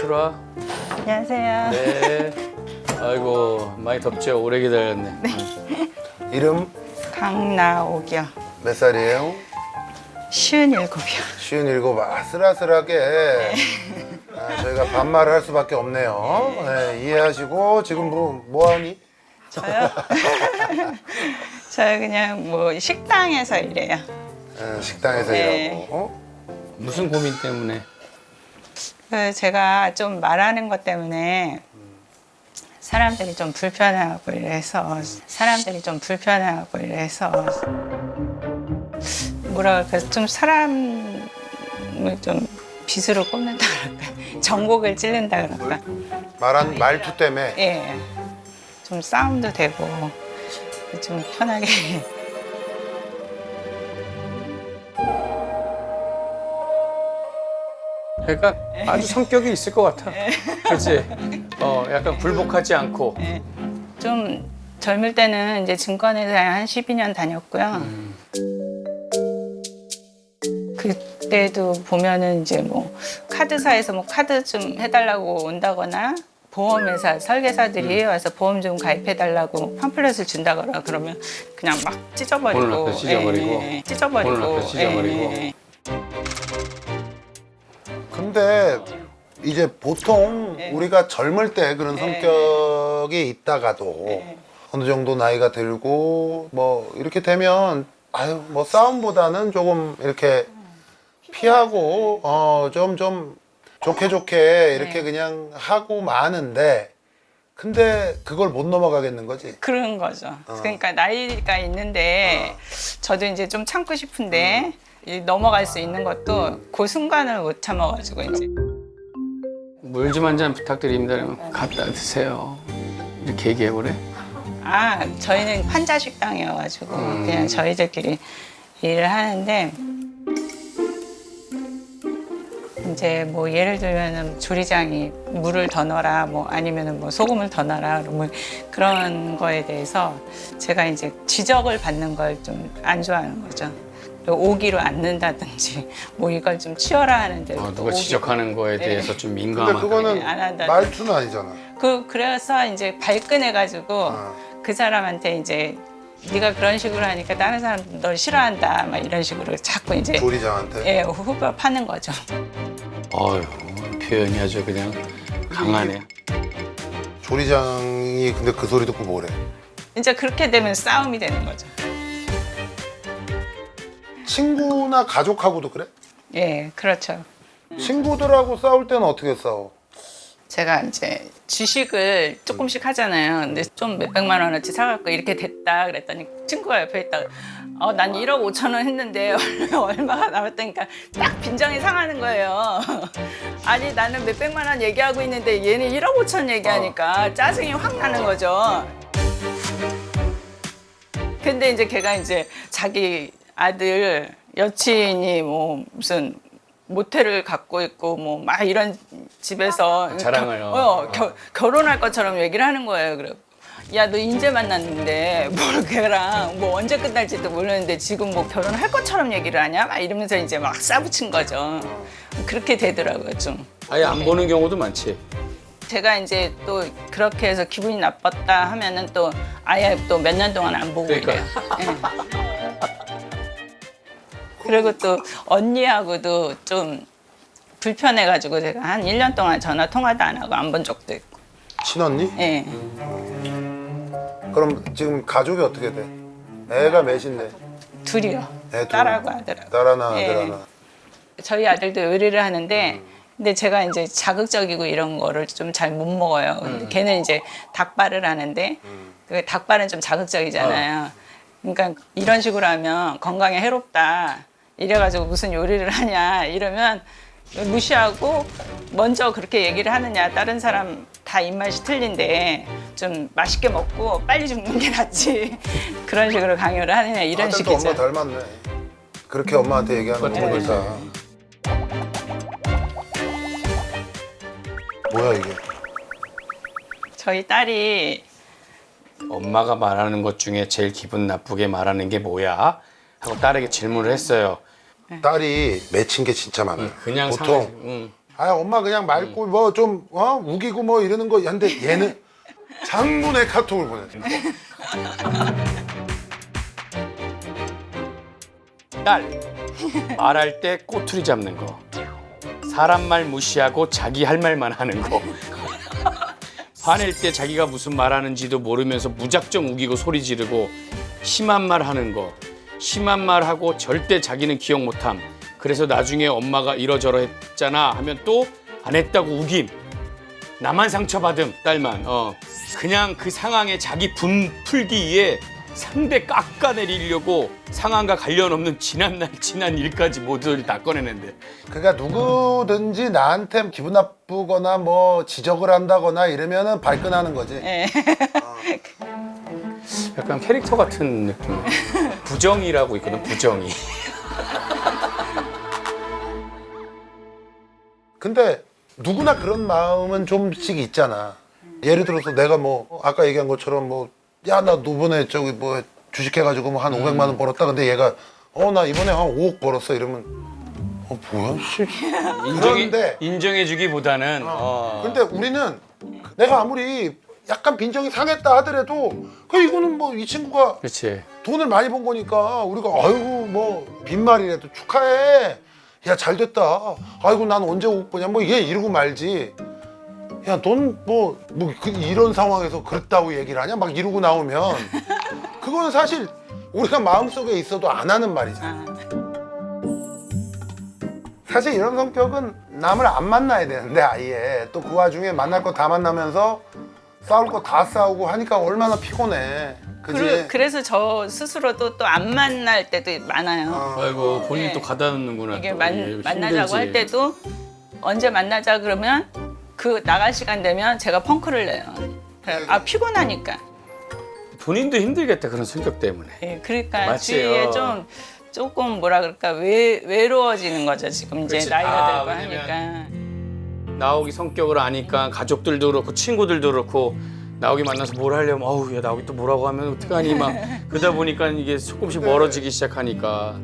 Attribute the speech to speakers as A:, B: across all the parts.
A: 들어와.
B: 안녕하세요.
A: 네. 아이고 많이 덥죠. 오래 기다렸네.
C: 이름
B: 강나옥이요.
C: 몇 살이에요?
B: 57이요.
C: 57. 아슬아슬하게 저희가 반말을 할 수밖에 없네요. 네, 이해하시고 지금 뭐하니?
B: 저요? 저요 그냥 뭐 식당에서 일해요.
C: 식당에서
B: 네.
C: 일하고.
A: 무슨 고민 때문에?
B: 제가 좀 말하는 것 때문에 사람들이 좀 불편해하고 이래서 뭐라 그럴까 좀 사람을 좀 빗으로 꼽는다 그럴까 전곡을 찔른다 그럴까
C: 말투 때문에.
B: 예, 좀 싸움도 되고 좀 편하게
A: 그러니까 아주 성격이 있을 것 같아. 그렇지? 약간 굴복하지 않고.
B: 좀 젊을 때는 이제 증권회사에 한 12년 다녔고요. 그때도 보면은 이제 뭐 카드사에서 뭐 카드 좀 해달라고 온다거나 보험회사 설계사들이 와서 보험 좀 가입해달라고 팜플렛을 준다거나 그러면 그냥 막 찢어버리고
A: 오늘 앞에 찢어버리고.
B: 찢어버리고
A: 오늘 앞에 찢어버리고.
C: 근데 이제 보통
B: 네.
C: 우리가 젊을 때 그런
B: 네.
C: 성격이 있다가도 어느 정도 나이가 들고 뭐 이렇게 되면 아유 뭐 싸움보다는 조금 이렇게 피하고 좀 좋게 이렇게 그냥 하고 마는데 근데 그걸 못 넘어가겠는 거지.
B: 그런 거죠. 그러니까 나이가 있는데 저도 이제 좀 참고 싶은데 이 넘어갈 수 있는 것도 그 순간을 못 참아가지고 이제
A: 물 좀 한 잔 부탁드립니다. 그러면 갖다 드세요. 이렇게 얘기해보래.
B: 저희는 환자 식당이어가지고 그냥 저희들끼리 일을 하는데 이제 뭐 예를 들면은 조리장이 물을 더 넣어라 뭐 아니면은 뭐 소금을 더 넣어라 뭐 그런 거에 대해서 제가 이제 지적을 받는 걸 좀 안 좋아하는 거죠. 오기로 앉는다든지 뭐 이걸 좀 치워라 하는데
A: 누가 지적하는 거에 대해서 좀
C: 근데
A: 민감하다.
C: 그거는
B: 안 한다든지.
C: 말투는 아니잖아.
B: 그래서 이제 발끈해가지고 그 사람한테 이제 네가 그런 식으로 하니까 다른 사람 널 싫어한다 막 이런 식으로 자꾸 이제
C: 조리장한테.
B: 후벼 파는 거죠.
A: 어휴, 표현이 아주 그냥 강하네.
C: 조리장이 근데 그 소리 듣고 뭐래?
B: 이제 그렇게 되면 싸움이 되는 거죠.
C: 친구나 가족하고도 그래?
B: 예, 그렇죠.
C: 친구들하고 싸울 때는 어떻게 싸워?
B: 제가 이제 주식을 조금씩 하잖아요. 근데 좀 몇백만 원어치 사갖고 이렇게 됐다 그랬더니 친구가 옆에 있다가 난 1억 5천 원 했는데 얼마가 남았다니까 딱 빈정이 상하는 거예요. 아니 나는 몇백만 원 얘기하고 있는데 얘는 1억 5천 얘기하니까 짜증이 확 나는 거죠. 근데 이제 걔가 이제 자기 아들 여친이 뭐 무슨 모텔을 갖고 있고 뭐 막 이런 집에서
A: 자랑을
B: 결혼할 것처럼 얘기를 하는 거예요. 그래. 야, 너 인제 만났는데 뭘 걔랑 뭐 언제 끝날지도 모르는데 지금 뭐 결혼할 것처럼 얘기를 하냐? 막 이러면서 이제 막 싸붙인 거죠. 그렇게 되더라고요, 좀.
A: 아예 안 보는 경우도 많지.
B: 제가 이제 또 그렇게 해서 기분이 나빴다 하면은 또 아예 또 몇 년 동안 안 보고
A: 그러니까.
B: 이래요. 예. 그리고 또 언니하고도 좀 불편해가지고 제가 한 1년 동안 전화 통화도 안 하고 안 본 적도 있고.
C: 친언니?
B: 예.
C: 그럼 지금 가족이 어떻게 돼? 애가 몇인데?
B: 둘이요.
C: 애 둘.
B: 딸하고 아들하고.
C: 딸 하나,
B: 예.
C: 아들 하나.
B: 저희 아들도 요리를 하는데 근데 제가 이제 자극적이고 이런 거를 좀 잘 못 먹어요. 근데 걔는 이제 닭발을 하는데 그 닭발은 좀 자극적이잖아요. 그러니까 이런 식으로 하면 건강에 해롭다. 이래가지고 무슨 요리를 하냐 이러면 무시하고 먼저 그렇게 얘기를 하느냐. 다른 사람 다 입맛이 틀린데 좀 맛있게 먹고 빨리 죽는 게 낫지. 그런 식으로 강요를 하느냐 이런
C: 아들도
B: 식이죠.
C: 엄마 닮았네. 그렇게 엄마한테 얘기하는 거 보니까. 뭐야 이게?
B: 저희 딸이
A: 엄마가 말하는 것 중에 제일 기분 나쁘게 말하는 게 뭐야? 하고 딸에게 질문을 했어요.
C: 딸이 맺힌 게 진짜 많아요.
A: 그냥
C: 보통
A: 상하지.
C: 아 엄마 그냥 맑고 뭐 좀 우기고 뭐 이러는 거. 근데 얘는 장문의 카톡을 보냈어.
A: 딸 말할 때 꼬투리 잡는 거, 사람 말 무시하고 자기 할 말만 하는 거, 화낼 때 자기가 무슨 말하는지도 모르면서 무작정 우기고 소리 지르고 심한 말 하는 거, 심한 말 하고 절대 자기는 기억 못함. 그래서 나중에 엄마가 이러저러 했잖아 하면 또 안 했다고 우김. 나만 상처받음, 딸만. 그냥 그 상황에 자기 분 풀기 위해 상대 깎아내리려고 상황과 관련 없는 지난 날 지난 일까지 모두 다 꺼내는데.
C: 그러니까 누구든지 나한테 기분 나쁘거나 뭐 지적을 한다거나 이러면은 발끈하는 거지.
B: 예.
A: 약간 캐릭터 같은 느낌. 부정이라고 있거든, 부정이.
C: 근데 누구나 그런 마음은 좀씩 있잖아. 예를 들어서 내가 뭐 아까 얘기한 것처럼 뭐 야 나 이번에 저기 뭐 주식해가지고 뭐 한 500만 원 벌었다. 근데 얘가 나 이번에 한 5억 벌었어 이러면 뭐야 씨. 그런데
A: 인정해주기보다는
C: 근데 우리는 내가 아무리 약간 빈정이 상했다 하더라도 이거는 뭐 이 친구가
A: 그렇지.
C: 돈을 많이 번 거니까 우리가 아이고 뭐 빈말이라도 축하해. 야 잘 됐다. 아이고 난 언제 5억 버냐 뭐 얘 이러고 말지. 야 넌 이런 상황에서 그랬다고 얘기를 하냐 막 이러고 나오면 그거는 사실 우리가 마음속에 있어도 안 하는 말이잖아. 사실 이런 성격은 남을 안 만나야 되는데 아예 또 그 와중에 만날 거 다 만나면서 싸울 거 다 싸우고 하니까 얼마나 피곤해. 그지?
B: 그래서 저 스스로도 또 안 만날 때도 많아요.
A: 아이고 본인
B: 네.
A: 또 가다 놓는구나.
B: 이게
A: 또.
B: 만나자고
A: 힘들지.
B: 할 때도 언제 만나자 그러면 그 나갈 시간 되면 제가 펑크를 내요. 그래, 피곤하니까.
A: 본인도 힘들겠다 그런 성격 때문에.
B: 예, 그러니까
A: 맞지요.
B: 주위에 조금 뭐라 그럴까 외로워지는 거죠. 지금 이제
A: 그치.
B: 나이가 들고
A: 왜냐면
B: 하니까.
A: 나오기 성격을 아니까 가족들도 그렇고 친구들도 그렇고 나오기 만나서 뭘 하려면 야 나오기 또 뭐라고 하면 어떡하니 막 그러다 보니까 이게 조금씩 멀어지기 시작하니까.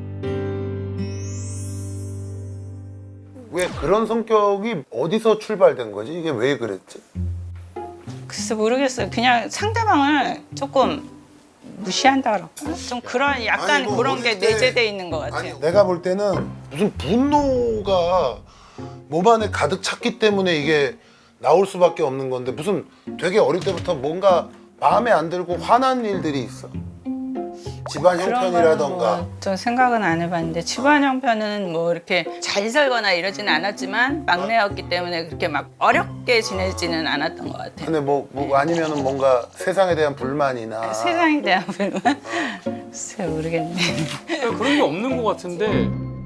C: 왜 그런 성격이 어디서 출발된 거지? 이게 왜 그랬지?
B: 글쎄 모르겠어요. 그냥 상대방을 조금 무시한다 그럴까? 좀 그런 약간
C: 아니, 뭐
B: 그런 게
C: 어릴 때-
B: 내재돼 있는 것 같아요.
C: 아니 내가 볼 때는 무슨 분노가 몸 안에 가득 찼기 때문에 이게 나올 수밖에 없는 건데 무슨 되게 어릴 때부터 뭔가 마음에 안 들고 화난 일들이 있어. 집안
B: 그런
C: 형편이라던가.
B: 거는 좀 생각은 안 해봤는데 집안 형편은 뭐 이렇게 잘 살거나 이러지는 않았지만 막내였기 때문에 그렇게 막 어렵게 지내지는 않았던 것 같아요.
C: 근데 뭐 아니면은 뭔가 세상에 대한 불만이나
B: 세상에 대한 불만? 글쎄 모르겠네.
A: 그런 게 없는 것 같은데.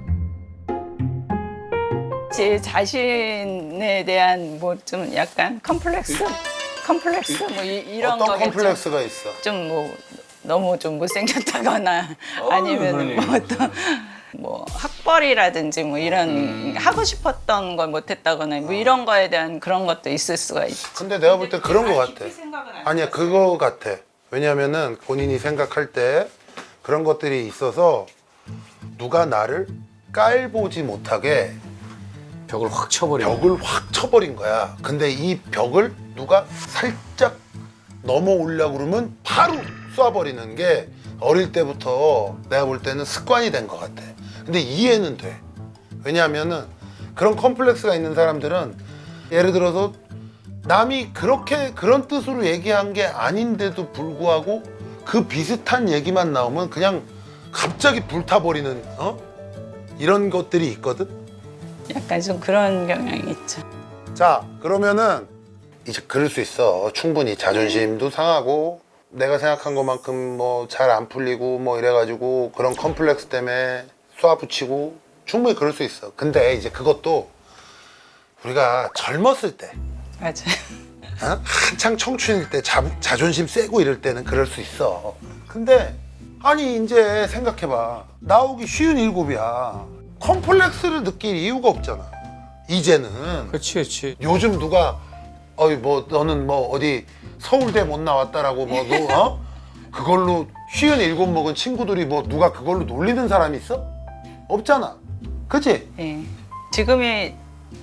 B: 제 자신에 대한 뭐 좀 약간 컴플렉스 뭐 이런
C: 어떤
B: 거겠죠.
C: 컴플렉스가 있어?
B: 좀 뭐 너무 좀 못생겼다거나 아니면
A: 그러네.
B: 뭐 어떤 뭐 학벌이라든지 뭐 이런 하고 싶었던 걸 못했다거나 뭐 이런 거에 대한 그런 것도 있을 수가 있죠.
C: 근데 내가 볼 때 그런 거 같아.
B: 생각은 안
C: 아니야 그거 같아. 왜냐면은 본인이 생각할 때 그런 것들이 있어서 누가 나를 깔보지 못하게
A: 벽을 확 쳐버려.
C: 벽을 확 쳐버린 거야. 근데 이 벽을 누가 살짝 넘어오려고 그러면 바로 쏴버리는 게 어릴 때부터 내가 볼 때는 습관이 된 것 같아. 근데 이해는 돼. 왜냐하면은 그런 컴플렉스가 있는 사람들은 예를 들어서 남이 그렇게 그런 뜻으로 얘기한 게 아닌데도 불구하고 그 비슷한 얘기만 나오면 그냥 갑자기 불타버리는 이런 것들이 있거든.
B: 약간 좀 그런 경향이 있죠.
C: 자 그러면은 이제 그럴 수 있어. 충분히 자존심도 상하고 내가 생각한 것만큼 뭐 잘 안 풀리고 뭐 이래가지고 그런 컴플렉스 때문에 쏴붙이고 충분히 그럴 수 있어. 근데 이제 그것도 우리가 젊었을 때
B: 맞아요.
C: 한창 청춘일 때 자존심 세고 이럴 때는 그럴 수 있어. 근데 아니 이제 생각해봐. 나오기 쉬운 일곱이야. 컴플렉스를 느낄 이유가 없잖아. 이제는.
A: 그렇지.
C: 요즘 누가 뭐 너는 뭐 어디 서울대 못 나왔다라고 뭐 너 그걸로 57 먹은 친구들이 뭐 누가 그걸로 놀리는 사람이 있어? 없잖아. 그치?
B: 예. 지금의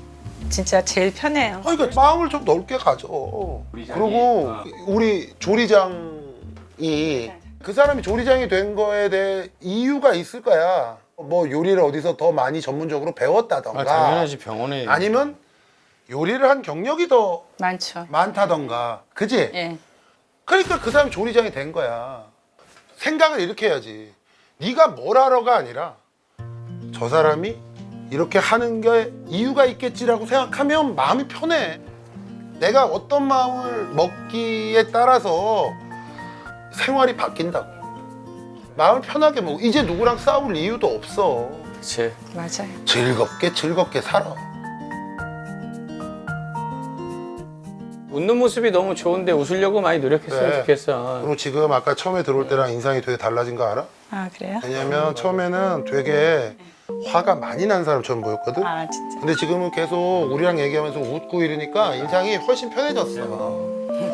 B: 진짜 제일 편해요.
C: 그러니까 마음을 좀 넓게 가져. 그리고 우리 조리장이 그 사람이 조리장이 된 거에 대해 이유가 있을 거야. 뭐 요리를 어디서 더 많이 전문적으로 배웠다던가
A: 당연하지 병원에
C: 아니면 요리를 한 경력이 더
B: 많죠.
C: 많다던가 그지?
B: 예.
C: 그러니까 그 사람이 조리장이 된 거야. 생각을 이렇게 해야지. 네가 뭘 하러가 아니라 저 사람이 이렇게 하는 게 이유가 있겠지라고 생각하면 마음이 편해. 내가 어떤 마음을 먹기에 따라서 생활이 바뀐다고. 마음을 편하게 먹고 이제 누구랑 싸울 이유도 없어.
A: 그치
B: 맞아요.
C: 즐겁게 살아.
A: 웃는 모습이 너무 좋은데 웃으려고 많이 노력했으면
C: 네.
A: 좋겠어.
C: 그리고 지금 아까 처음에 들어올 때랑 인상이 되게 달라진 거 알아?
B: 아 그래요?
C: 왜냐면 처음에는 되게 화가 많이 난 사람처럼 보였거든?
B: 아 진짜.
C: 근데 지금은 계속 우리랑 얘기하면서 웃고 이러니까 인상이 훨씬 편해졌어.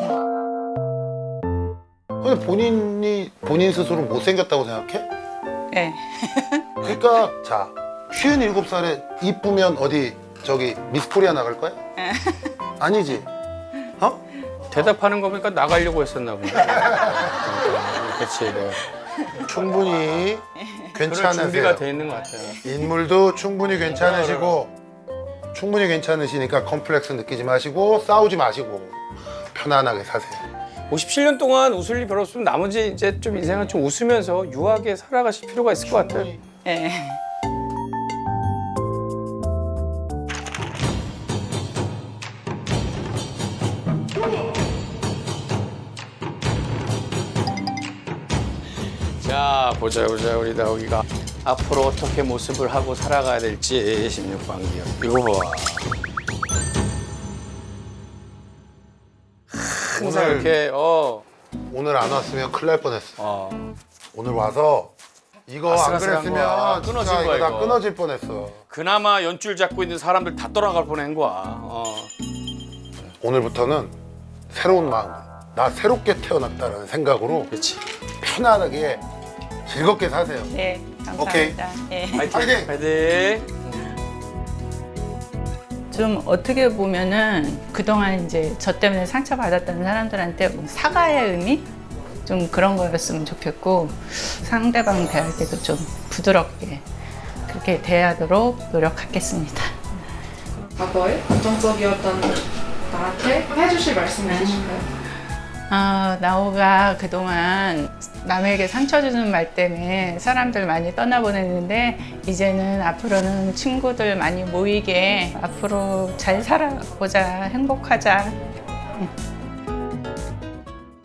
C: 근데 본인 스스로 못생겼다고 생각해?
B: 예.
C: 그러니까 자 57살에 이쁘면 어디 저기 미스코리아 나갈 거야? 아니지? 어?
A: 대답하는 거 보니까 나가려고 했었나 보네. 그치 내가
C: 충분히
A: 그럴 준비가
C: 괜찮으세요.
A: 돼 있는 것 같아요.
C: 인물도 충분히 괜찮으시고 충분히 괜찮으시니까 컴플렉스 느끼지 마시고 싸우지 마시고 편안하게 사세요.
A: 57년 동안 웃을 일 별로 없으면 나머지 이제 좀 인생을 좀 웃으면서 유하게 살아가실 필요가 있을 것 같아요.
B: 예.
A: 자 보자 우리 나오기가 앞으로 어떻게 모습을 하고 살아가야 될지 16반기요. 이거 봐. 항상
C: 오늘-
A: 이렇게
C: 오늘 안 왔으면 큰일 날 뻔했어. 오늘 와서 이거 안
A: 아슬아슬한
C: 그랬으면
A: 거야.
C: 진짜
A: 끊어질
C: 이거
A: 거야,
C: 다
A: 이거.
C: 끊어질 뻔했어.
A: 그나마 연줄 잡고 있는 사람들 다 떠나갈 뻔한 거야.
C: 오늘부터는 새로운 마음으로 나 새롭게 태어났다라는 생각으로
A: 그렇지.
C: 편안하게 즐겁게 사세요.
B: 네. 감사합니다.
C: 오케이.
B: 예.
C: 파이팅!
A: 파이팅.
B: 좀 어떻게 보면은 그동안 이제 저 때문에 상처받았던 사람들한테 사과의 의미? 좀 그런 거였으면 좋겠고 상대방 대할 때도 좀 부드럽게 그렇게 대하도록 노력하겠습니다.
D: 과거에 긍정적이었던 나한테 해주실 말씀 있으실까요?
B: 나오가 그동안 남에게 상처 주는 말 때문에 사람들 많이 떠나보냈는데 이제는 앞으로는 친구들 많이 모이게 앞으로 잘 살아보자, 행복하자.